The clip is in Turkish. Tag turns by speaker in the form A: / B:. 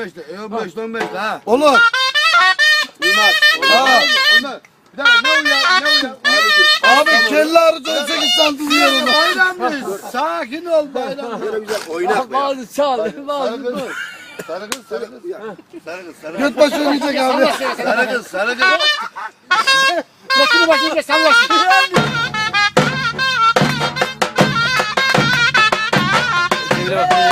A: 15'te. 15'te 15'te ha.
B: Olur.
A: Uymaz.
B: Ha.
A: Onlar. Bir dakika ne uyar?
B: Abi kelle arıcı 18 santim yiyorum.
A: Bayramdayız. Sakin ol bayram. Böyle güzel oynak be.
C: Bazı çal,
A: Sarı
C: bazı
A: kız.
C: dur.
A: Sarı kız. Sarı kız.
B: Göt başı yiyecek abi.
A: Sarı kız.
C: Başını başını sallasın.
D: Çevire bakın.